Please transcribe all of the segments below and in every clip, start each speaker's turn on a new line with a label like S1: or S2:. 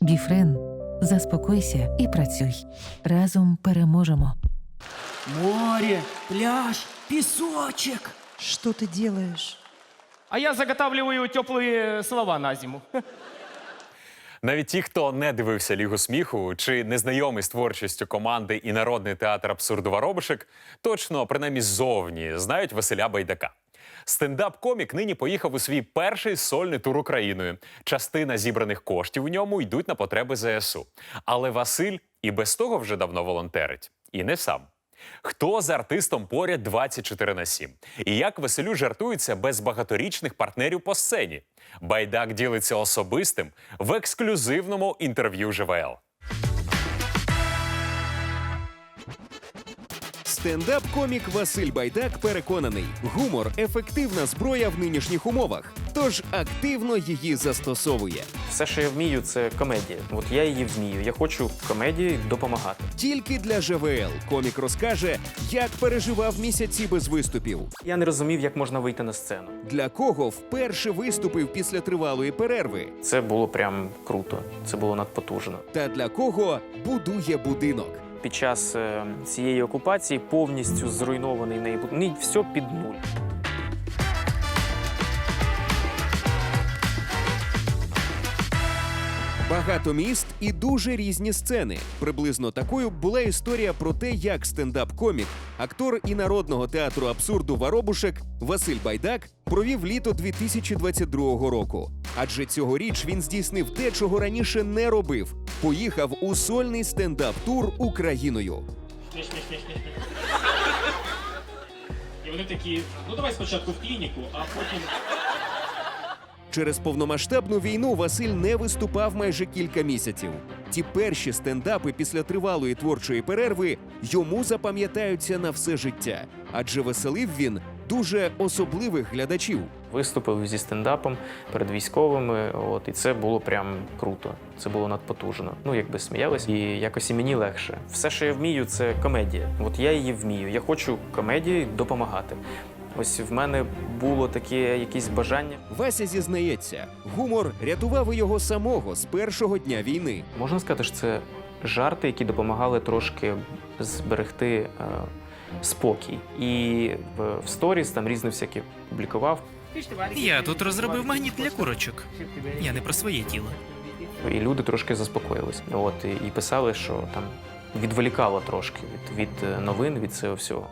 S1: Біфрен. Заспокойся і працюй. Разом переможемо.
S2: Море, пляж, песочек.
S3: Что ты делаешь?
S2: А я заготавливаю теплые слова на зиму.
S4: Навіть ті, хто не дивився «Лігу сміху» чи не знайомий з творчістю команди і Народний театр абсурду «Воробушек», точно, принаймні ззовні, знають Василя Байдака. Стендап-комік нині поїхав у свій перший сольний тур Україною. Частина зібраних коштів у ньому йдуть на потреби ЗСУ. Але Василь і без того вже давно волонтерить. І не сам. Хто з артистом поряд 24/7? І як Василю жартується без багаторічних партнерів по сцені? Байдак ділиться особистим в ексклюзивному інтерв'ю ЖВЛ.
S5: Стендап-комік Василь Байдак переконаний, гумор – ефективна зброя в нинішніх умовах, тож активно її застосовує.
S6: Все, що я вмію, це комедія. От я її вмію. Я хочу комедії допомагати.
S5: Тільки для ЖВЛ комік розкаже, як переживав місяці без виступів,
S6: Я не розумів, як можна вийти на сцену.
S5: для кого вперше виступив після тривалої перерви,
S6: Це було прям круто. Це було надпотужно.
S5: та для кого будує будинок.
S6: Під час цієї окупації повністю зруйнований неї будинок. Все під нуль.
S5: Багато міст і дуже різні сцени. Приблизно такою була історія про те, як стендап-комік, актор і Народного театру абсурду «Воробушек» Василь Байдак провів літо 2022 року. Адже цьогоріч він здійснив те, чого раніше не робив. Поїхав у сольний стендап-тур Україною.
S7: І вони такі, ну давай спочатку в клініку, а потім...
S5: Через повномасштабну війну Василь не виступав майже кілька місяців. Ті перші стендапи після тривалої творчої перерви йому запам'ятаються на все життя. Адже веселив він дуже особливих глядачів.
S6: Виступив зі стендапом перед військовими, і це було прям круто. Це було надпотужно. Якби сміялись, і якось і мені легше. Все, що я вмію, це комедія. От я її вмію. Я хочу комедії допомагати. Ось в мене було таке якесь бажання.
S5: Вася зізнається, гумор рятував і його самого з першого дня війни.
S6: Можна сказати, що це жарти, які допомагали трошки зберегти спокій. І в сторіс там різне всяке публікував.
S8: Я тут розробив магніт для курочок. Я не про своє тіло.
S6: І люди трошки заспокоїлись. І писали, що там відволікало трошки від новин, від цього всього.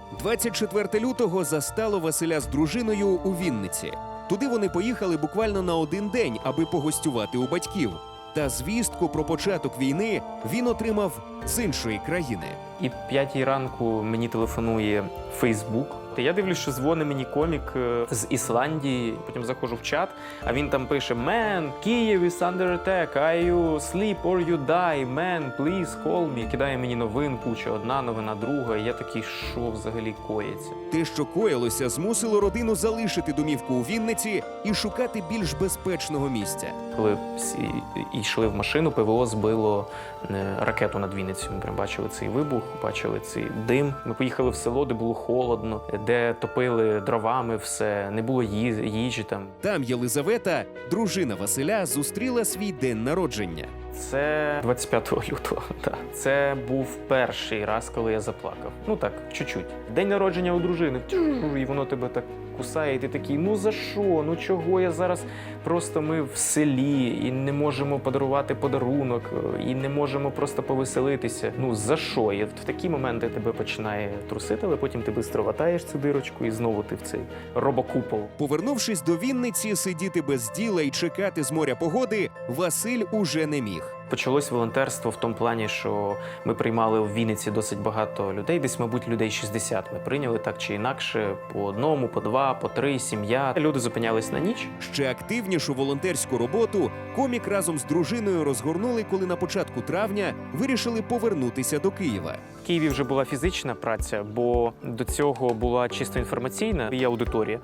S5: 24 лютого застало Василя з дружиною у Вінниці. Туди вони поїхали буквально на один день, аби погостювати у батьків. Та звістку про початок війни він отримав з іншої країни.
S6: І в 5-й ранку мені телефонує Фейсбук. Я дивлюсь, що дзвонить мені комік з Ісландії. Потім заходжу в чат, а він там пише: «Man, Kyiv is under attack. Are you sleep or you die? Man, please call me». Кидає мені новин, куча, одна новина, друга. І я такий, що взагалі коїться?
S5: Те, що коїлося, змусило родину залишити домівку у Вінниці і шукати більш безпечного місця.
S6: Коли всі йшли в машину, ПВО збило ракету над Вінницею. Ми прям бачили цей вибух, бачили цей дим. Ми поїхали в село, де було холодно, де топили дровами все, не було їжі там.
S5: Там Єлизавета, дружина Василя, зустріла свій день народження.
S6: Це 25 лютого, так. Це був перший раз, коли я заплакав. Так, чуть-чуть. День народження у дружини. І воно тебе так кусає, і ти такий, за що? Чого я зараз? Просто ми в селі, і не можемо подарувати подарунок, і не можемо просто повеселитися. За що? І в такі моменти тебе починає трусити, але потім ти швидко ватаєш цю дирочку, і знову ти в цей робокупол.
S5: Повернувшись до Вінниці, сидіти без діла і чекати з моря погоди Василь уже не міг.
S6: Почалось волонтерство в тому плані, що ми приймали в Вінниці досить багато людей, десь, мабуть, людей 60 ми прийняли так чи інакше, по одному, по два, по три, сім'я. Люди зупинялись на ніч.
S5: Ще активнішу волонтерську роботу комік разом з дружиною розгорнули, коли на початку травня вирішили повернутися до Києва.
S6: В Києві вже була фізична праця, бо до цього була чисто інформаційна. Є аудиторія,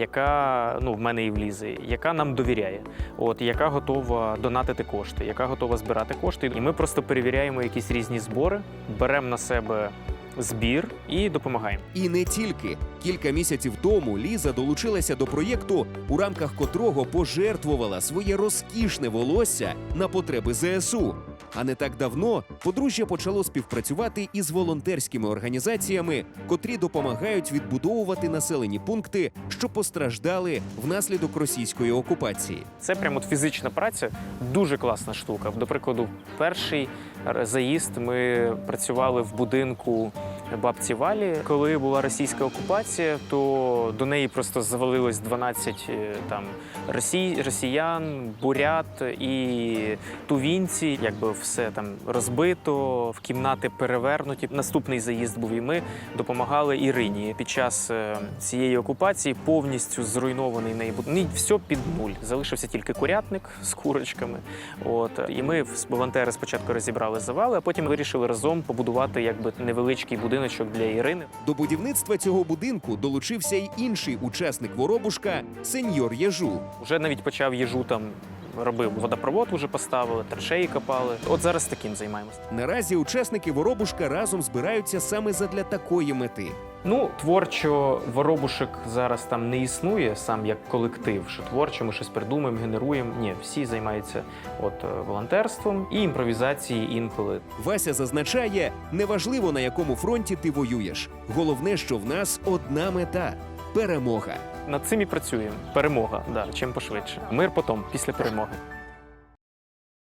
S6: яка, в мене і влізе, яка нам довіряє, яка готова донатити кошти, яка готова збирати кошти. І ми просто перевіряємо якісь різні збори, беремо на себе збір і допомагаємо.
S5: І не тільки. Кілька місяців тому Ліза долучилася до проєкту, у рамках котрого пожертвувала своє розкішне волосся на потреби ЗСУ. А не так давно подружжя почало співпрацювати із волонтерськими організаціями, котрі допомагають відбудовувати населені пункти, що постраждали внаслідок російської окупації.
S6: Це прямо от фізична праця, дуже класна штука. До прикладу, перший заїзд ми працювали в будинку бабці Валі. Коли була російська окупація, то до неї просто завалилось 12 там росіян, бурят і тувінці. Якби все там розбито, в кімнати перевернуті. Наступний заїзд був і ми допомагали Ірині. Під час цієї окупації повністю зруйнований неї будинок. Все під нуль. Залишився тільки курятник з курочками. От. І ми, волонтери, спочатку розібрали завали, а потім вирішили разом побудувати якби невеличкий будиночок для Ірини.
S5: До будівництва цього будинку долучився й інший учасник Воробушка – сеньор Єжу.
S6: Вже навіть почав їжу там робив. Водопровод уже поставили, траншеї копали. От зараз таким займаємося.
S5: Наразі учасники Воробушка разом збираються саме задля такої мети.
S6: Ну, творчо Воробушек зараз там не існує сам як колектив, що творчо ми щось придумаємо, генеруємо. Ні, всі займаються волонтерством і імпровізацією інколи.
S5: Вася зазначає, неважливо, на якому фронті ти воюєш. Головне, що в нас одна мета – перемога.
S6: Над цим і працюємо. Перемога, да, чим пошвидше. Мир потім, після перемоги.